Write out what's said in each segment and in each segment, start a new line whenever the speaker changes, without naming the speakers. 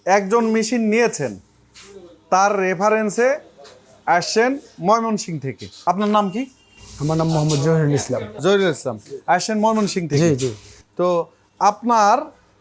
একজন মেশিন নিয়েছেন, তার রেফারেন্সে আসছেন ময়মনসিংহ থেকে। আপনার নাম কি?
আমার নাম মোহাম্মদ জহিরুল ইসলাম।
জহিরুল ইসলাম, আসছেন ময়মনসিংহ থেকে।
জি জি।
তো আপনার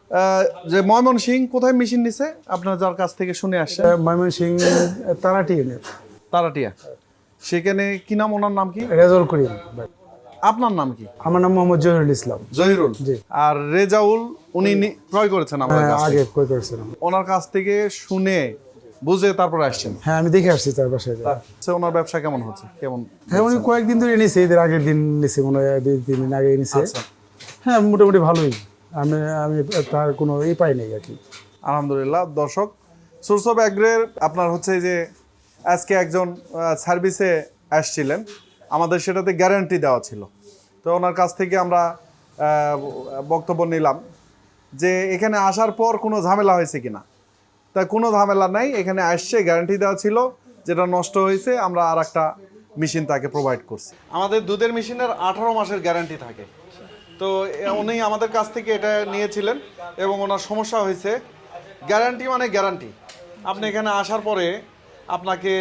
যে ময়মনসিংহ কোথায় মেশিন নিছে আপনার যার কাছ থেকে শুনে আসছেন?
ময়মনসিংহ তারাটি ইউনিয়ন,
তারাটিয়া। সেখানে কি নাম, ওনার নাম কি?
রেজাউল করিম।
আপনার নাম কি?
আমার নাম মোহাম্মদ জহিরুল ইসলাম।
জহিরুল।
জি।
আর রেজাউল উনি ক্রয় করেছেন আমার কাছ
আগে
থেকে?
কই করেছিলাম।
ওনার কাছ থেকে শুনে বুঝে তারপর আসছেন?
হ্যাঁ, আমি দেখে আসছি তার বাসায়।
আচ্ছা, ওনার ব্যবসা কেমন হচ্ছে, কেমন?
হ্যাঁ, উনি কয়েকদিন ধরে নিছে, এদের আগের দিন নিছে, মনে হয় 2-3 দিন আগে নিছে।
আচ্ছা,
হ্যাঁ, মোটামুটি ভালোই। আমি আমি তার কোনো পাই নাই আর কি।
আলহামদুলিল্লাহ। দর্শক, সোর্স অফ অ্যাগ্রের আপনার হচ্ছে যে আজকে একজন সার্ভিসে আসছিলেন, আমাদের সেটাতে গ্যারান্টি দেওয়া ছিল। তো ওনার কাছ থেকে আমরা বক্তব্য নিলাম যে এখানে আসার পর কোনো ঝামেলা হয়েছে কিনা। তা কোনো ঝামেলা নাই, এখানে আসছে, গ্যারান্টি দেওয়া ছিল, যেটা নষ্ট হয়েছে আমরা আর একটা মেশিন তাকে প্রোভাইড করছি। আমাদের দুধের মেশিনের 18 মাসের গ্যারান্টি থাকে। তো উনি আমাদের কাছ থেকে এটা নিয়েছিলেন এবং ওনার সমস্যা হয়েছে। গ্যারান্টি মানে গ্যারান্টি। আপনি এখানে আসার পরে আপনাকে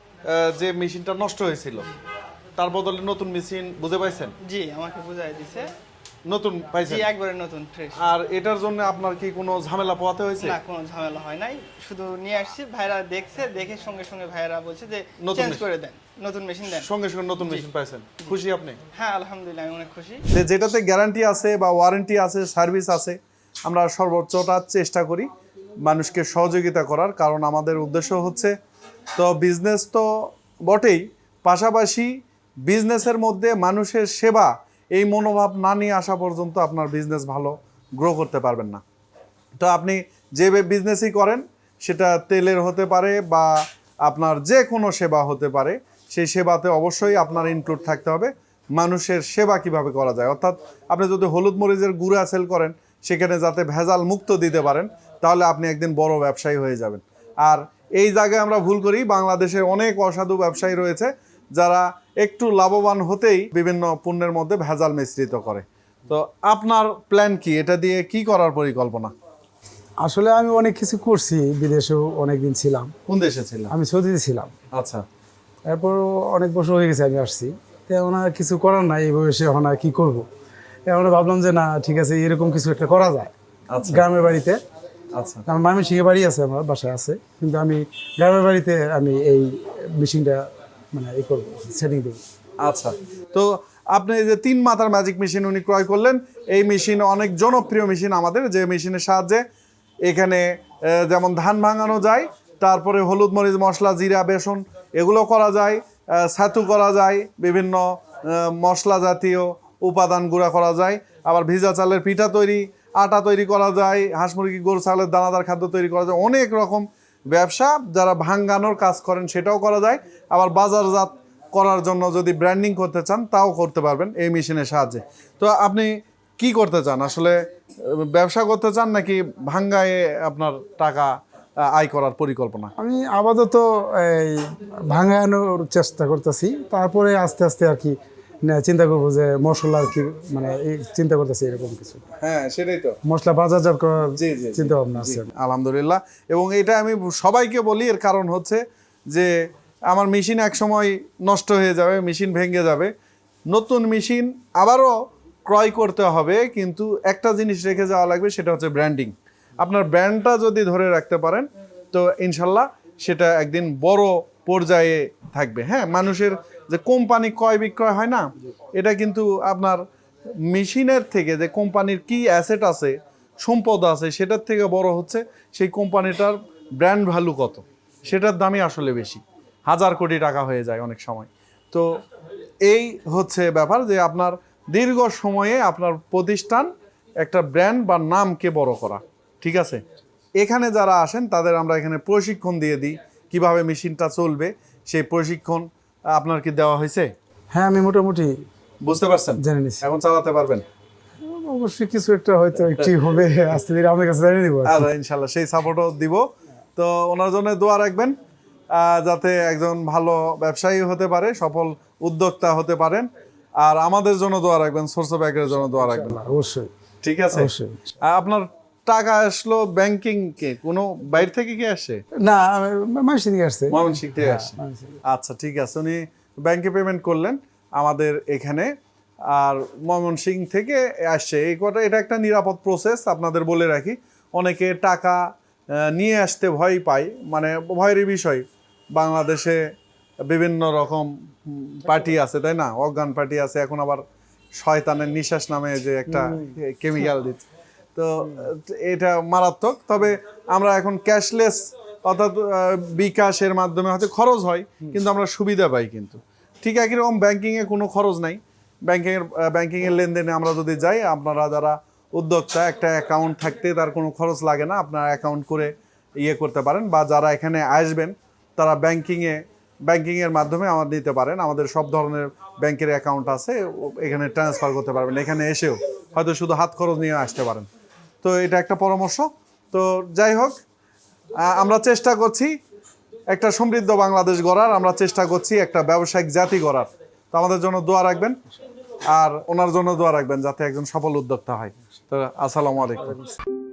যে মেশিনটা নষ্ট হয়েছিল তার বদলে নতুন মেশিন বুঝে পাইছেন?
জি, আমাকে বুঝাই দিছে।
নতুন পাইছেন?
জি, একবারে নতুন ফ্রেশ।
আর এটার জন্য আপনার কি কোনো ঝামেলা পোহাতে হয়েছে?
না, কোনো ঝামেলা হয় নাই, শুধু নিয়ে আসছি, ভাইরা দেখছে, দেখে সঙ্গে সঙ্গে ভাইরা বলছে যে
নতুন
চেঞ্জ
মেশিন।
করে দেন, নতুন মেশিন দেন।
সঙ্গে সঙ্গে নতুন মেশিন পাইছেন, খুশি আপনি?
হ্যাঁ, আলহামদুলিল্লাহ, আমি অনেক খুশি।
যেটাতে গ্যারান্টি আছে বা ওয়ারেন্টি আছে, সার্ভিস আছে, আমরা সর্বোচ্চটা চেষ্টা করি মানুষকে সহযোগিতা করার। কারণ আমাদের উদ্দেশ্য হচ্ছে তো বিজনেস তো বটেই, পাশাপাশি বিজনেসের মধ্যে মানুষের সেবা, এই মনোভাব না নিয়ে আসা পর্যন্ত আপনার বিজনেস ভালো গ্রো করতে পারবেন না। তো আপনি যে বিজনেসই করেন, সেটা তেলের হতে পারে বা আপনার যে কোনো সেবা হতে পারে, সেই সেবাতে অবশ্যই আপনার ইনক্লুড থাকতে হবে মানুষের সেবা কিভাবে করা যায়। অর্থাৎ আপনি যদি হলুদ মরিচের গুঁড়া সেল করেন, সেখানে যাতে ভেজাল মুক্ত দিতে পারেন, তাহলে আপনি একদিন বড় ব্যবসায়ী হয়ে যাবেন। আর এই জায়গায় আমরা ভুল করি, বাংলাদেশের অনেক অসাধু ব্যবসায়ী রয়েছে যারা একটু লাভবান হতেই বিভিন্ন পণ্যের মধ্যে ভেজাল মিশ্রিত করে। তো আপনার প্ল্যান কি, এটা দিয়ে কি করার পরিকল্পনা?
আসলে আমি অনেক কিছু করছি, বিদেশেও অনেকদিন ছিলাম।
কোন দেশে ছিলেন?
আমি সৌদিতে ছিলাম।
আচ্ছা।
এরপর অনেক বছর হয়ে গেছে আমি আসছি, এখন আর কিছু করার নাই এই বয়সে, এখন আর কি করবো। এখন ভাবলাম যে না, ঠিক আছে, এরকম কিছু একটা করা যায়
আচ্ছা।
গ্রামের বাড়িতে।
আচ্ছা।
আমার ময়মনসিংহে বাড়ি আছে, আমার বাসায় আছে, কিন্তু আমি গ্রামের বাড়িতে আমি এই মেশিনটা মানে এই করবো, সেটিং দেবো।
আচ্ছা। তো আপনি এই যে 3 মাথার ম্যাজিক মেশিন উনি ক্রয় করলেন, এই মেশিন অনেক জনপ্রিয় মেশিন আমাদের, যে মেশিনের সাহায্যে এখানে যেমন ধান ভাঙানো যায়, তারপরে হলুদ মরিচ মশলা জিরা বেসন এগুলো করা যায়, ছাতু করা যায়, বিভিন্ন মশলা জাতীয় উপাদান গুঁড়া করা যায়, আবার ভিজা চালের পিঠা তৈরি, আটা তৈরি করা যায়, হাঁস মুরগি গরু ছাগলের দানাদার খাদ্য তৈরি করা যায়। অনেক রকম ব্যবসা যারা ভাঙানোর কাজ করেন সেটাও করা যায়। আবার বাজারজাত করার জন্য যদি ব্র্যান্ডিং করতে চান তাও করতে পারবেন এই মেশিনের সাহায্যে। তো আপনি কি করতে চান আসলে, ব্যবসা করতে চান নাকি ভাঙ্গায় আপনার টাকা আয় করার পরিকল্পনা?
আমি আপাতত এই ভাঙানোর চেষ্টা করতেছি, তারপরে আস্তে আস্তে আর কি চিন্তা করবো যে মশলা আর কি, মানে এই চিন্তা করতেছি এরকম কিছু।
হ্যাঁ, সেটাই তো,
মশলা বাজারজাত করার
জি জি
চিন্তা ভাবনা আছে।
আলহামদুলিল্লাহ। এবং এটা আমি সবাইকে বলি, এর কারণ হচ্ছে যে আমার মেশিন এক সময় নষ্ট হয়ে যাবে, মেশিন ভেঙে যাবে, নতুন মেশিন আবারও ক্রয় করতে হবে, কিন্তু একটা জিনিস রেখে যাওয়া লাগবে, সেটা হচ্ছে ব্র্যান্ডিং। আপনার ব্র্যান্ডটা যদি ধরে রাখতে পারেন তো ইনশাল্লাহ সেটা একদিন বড় পর্যায়ে থাকবে। হ্যাঁ, মানুষের যে কোম্পানি ক্রয় বিক্রয় হয় না, এটা কিন্তু আপনার মেশিনের থেকে যে কোম্পানির কি অ্যাসেট আছে, সম্পদ আছে, সেটার থেকে বড় হচ্ছে সেই কোম্পানিটার ব্র্যান্ড ভ্যালু কত, সেটার দামই আসলে বেশি, 1000 কোটি টাকা হয়ে যায় অনেক সময়। তো এই হচ্ছে ব্যাপার যে আপনার দীর্ঘ সময়ে আপনার প্রতিষ্ঠান একটা ব্র্যান্ড বা নামকে বড় করা। ঠিক আছে, এখানে যারা আসেন তাদের আমরা এখানে প্রশিক্ষণ দিয়ে দিই কিভাবে মেশিনটা চলবে, সেই প্রশিক্ষণ আপনার কি দেওয়া হয়েছে?
হ্যাঁ, আমি মোটামুটি
বুঝতে পারছেন,
জেনে নিচ্ছি।
এখন চালাতে পারবেন?
অবশ্যই কিছু একটা হয়তো একটু হবে, আস্তে ধীরে আমার কাছে জানিয়ে দিব।
আর ইনশাল্লাহ সেই সাপোর্টও দিব। তো ওনার জন্য দোয়া রাখবেন, যাতে একজন ভালো ব্যবসায়ী হতে পারে, সফল উদ্যোক্তা হতে পারেন। আর আমাদের জন্য দোয়া রাখবেন, সোর্স অফ অ্যাগ্রের জন্য দোয়া রাখবেন।
অবশ্যই।
ঠিক আছে,
অবশ্যই।
আপনার টাকা আসলো ব্যাংকিং কে কোনো বাইরে থেকে কি আসে?
না মানুষ থেকে আসছে।
ময়মনসিংহ থেকে আসে। আচ্ছা ঠিক আছে, উনি ব্যাংকে পেমেন্ট করলেন আমাদের এখানে, আর ময়মনসিংহ থেকে আসছে। এই কথা, এটা একটা নিরাপদ প্রসেস আপনাদের বলে রাখি। অনেকে টাকা নিয়ে আসতে ভয় পায়, মানে ভয়ের বিষয়। বাংলাদেশে বিভিন্ন রকম পার্টি আছে, তাই না? অজ্ঞান পার্টি আছে, এখন আবার শয়তানের নিঃশ্বাস নামে যে একটা কেমিক্যাল দিচ্ছে, তো এটা মারাত্মক। তবে আমরা এখন ক্যাশলেস, অর্থাৎ বিকাশের মাধ্যমে হয়তো খরচ হয় কিন্তু আমরা সুবিধা পাই। কিন্তু ঠিক একই রকম ব্যাংকিংয়ে কোনো খরচ নাই। ব্যাংকিংয়ের লেনদেনে আমরা যদি যাই, আপনারা যারা উদ্যোক্তা, একটা অ্যাকাউন্ট থাকতে তার কোনো খরচ লাগে না, আপনারা অ্যাকাউন্ট করে ইয়ে করতে পারেন। বা যারা এখানে আসবেন তারা ব্যাংকিংয়ের মাধ্যমে আমার নিতে পারেন। আমাদের সব ধরনের ব্যাংকের অ্যাকাউন্ট আছে, এখানে ট্রান্সফার করতে পারবেন। এখানে এসেও হয়তো শুধু হাত খরচ নিয়ে আসতে পারেন। তো এটা একটা পরামর্শ। তো যাই হোক, আমরা চেষ্টা করছি একটা সমৃদ্ধ বাংলাদেশ গড়ার, আমরা চেষ্টা করছি একটা ব্যবসায়িক জাতি গড়ার। তো আমাদের জন্য দোয়া রাখবেন, আর ওনার জন্য দোয়া রাখবেন যাতে একজন সফল উদ্যোক্তা হয়। তো আসসালামু আলাইকুম।